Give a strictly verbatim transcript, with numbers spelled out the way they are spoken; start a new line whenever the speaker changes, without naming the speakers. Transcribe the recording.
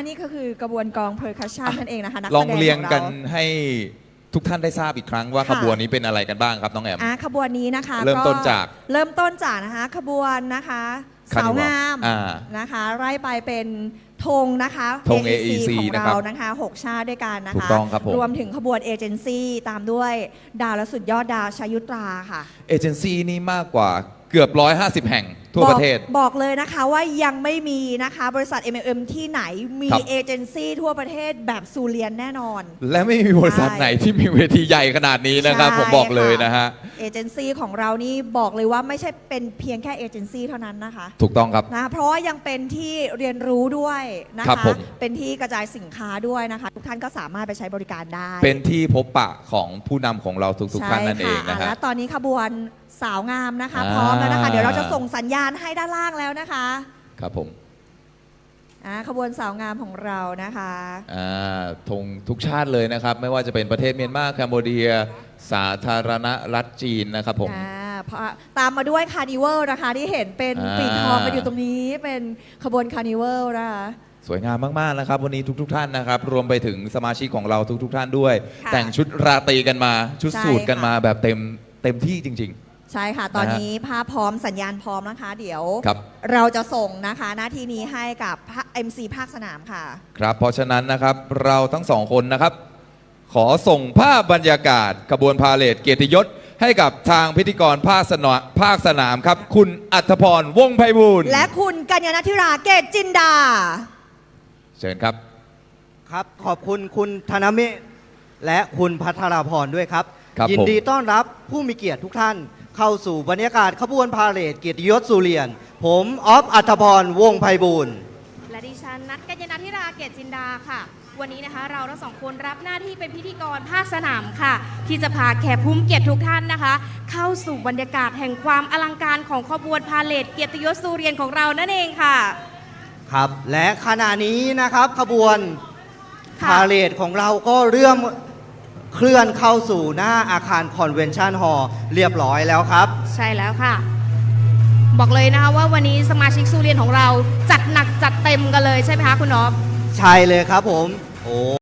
นี่ก็คือกระบวนกองเพอร์คัชชันนั่นเองนะคะนักแส
ล
ด
อง งเรียง
ของ
กัน
เรา
ให้ทุกท่านได้ทราบอีกครั้งว่า
ค่ะ
ขบวนนี้เป็นอะไรกันบ้างครับน้องแอม
อ่ะขบวนนี้นะคะ
เริ่มต้นจาก
เริ่มต้นจากนะคะขบวนนะคะ
คาร์นิวัล
สาวงาม
อ่า
นะคะไล่ไปเป็นธงนะคะ
ธง
เอ
เอ อี ซี
ของ
นะครับ
เรานะคะหกชาติด้วยกันนะคะ
ถูกต้องครับผม
รวมถึงขบวนเอเจนซี่ตามด้วยดาวและสุดยอดดาวชยุตราค่ะ
เอเจนซี่นี่มากกว่าเกือบร้อยห้าสิบแห่งทั่วประเทศ
บอกบอกเลยนะคะว่ายังไม่มีนะคะบริษัท เอ็ม เอ็ม ที่ไหนมี
ครับ
เอเจนซี่ทั่วประเทศแบบซูเลียนแน่นอน
และไม่มีบริษัทไหนที่มีเวทีใหญ่ขนาดนี้นะครับ
ใช่
ผมบอกเลยนะฮะ
เอเจนซี่ของเรานี่บอกเลยว่าไม่ใช่เป็นเพียงแค่เอเจนซี่เท่านั้นนะคะ
ถูกต้องครับ
นะเพราะว่ายังเป็นที่เรียนรู้ด้วยนะ
ครั
คะ
บผม
เป็นที่กระจายสินค้าด้วยนะคะ ทุกท่านก็สามารถไปใช้บริการได้
เป็นที่พบปะของผู้นำของเราทุกๆท่านนั่นเอง
ใช่
นะ
ค่
ฮะ
และตอนนี้ขบวนสาวงามนะคะ
อ่า
พร้อมแล้วนะคะ เดี๋ยวเราจะส่งสัญญาณให้ด้านล่างแล้วนะคะ
ครับผม
อ่าขบวนสาวงามของเรานะคะ
อ่าธงทุกชาติเลยนะครับ ไม่ว่าจะเป็นประเทศเมียนมาแคนเบเดีย สาธารณรัฐจีนนะครับผม
อ่าเพราะตามมาด้วยคาร์นิวัลนะคะที่เห็นเป็น
อ่า
ปีกทองกันอยู่ตรงนี้เป็นขบวนคาร์นิวัลนะคะ
สวยงามมากๆนะครับวันนี้ทุกๆท่านนะครับ รวมไปถึงสมาชิกของเราทุกๆท่านด้วย
ค่ะ
แต่งชุดราตรีกันมา ชุด
ใช่
สูทกัน
ค่ะ
มาแบบเต็มเต็มที่จริง
ใช่ค่ะ ตอนนี้ภาพพร้อมสัญญาณพร้อมนะคะ เดี๋ยว
ครับ
เราจะส่งนะคะหน้าที่นี้ให้กับ เอ็ม ซี ภาคสนามค่ะ
ๆ ครับ เพราะฉะนั้นนะครับเราทั้งสองคนนะครับ ขอส่งภาพบรรยากาศขบวนพาเหรดเกียรติยศ ให้กับทางพิธีกรภาคสนามภาคสนามครับ คุณอัธพรวงศ์ไพบูลย์
และคุณกัญญาณธิราเกตจินดา
เชิญครับ
ครับขอบคุณคุณธนเมธและคุณพัทราพรด้วยครับ
ครับ
ยิน
ผม
ดีต้อนรับผู้มีเกียรติทุกท่าน เข้าสู่บรรยากาศขบวนพาเหรดเกียรติยศสุเรียน ผมออฟอัธพรวงศ์ไพบูลย์
และดิฉันนัทกัญญาณธิราเกตจินดาค่ะ วันนี้นะคะเราทั้งสองคนรับหน้าที่เป็นพิธีกรภาคสนามค่ะ ที่จะพาแขกผู้มีเกียรติทุกท่านนะคะ เข้าสู่บรรยากาศแห่งความอลังการของขบวนพาเหรดเกียรติยศสุเรียนของเรานั่นเองค่ะ
ครับและขณะนี้นะครับขบวน
ค่ะ
พาเหรดของเราก็เริ่มเคลื่อนเข้าสู่หน้าอาคารคอนเวนชั่นฮอลล์เรียบร้อยแล้วครับ
ใช่แล้วค่ะ บอกเลยนะคะว่าวันนี้สมาชิกสุเรียนของเราจัดหนักจัดเต็มกันเลยใช่ไหมคะคุณอ๊อฟ
ใช่เลยครับผมโอ้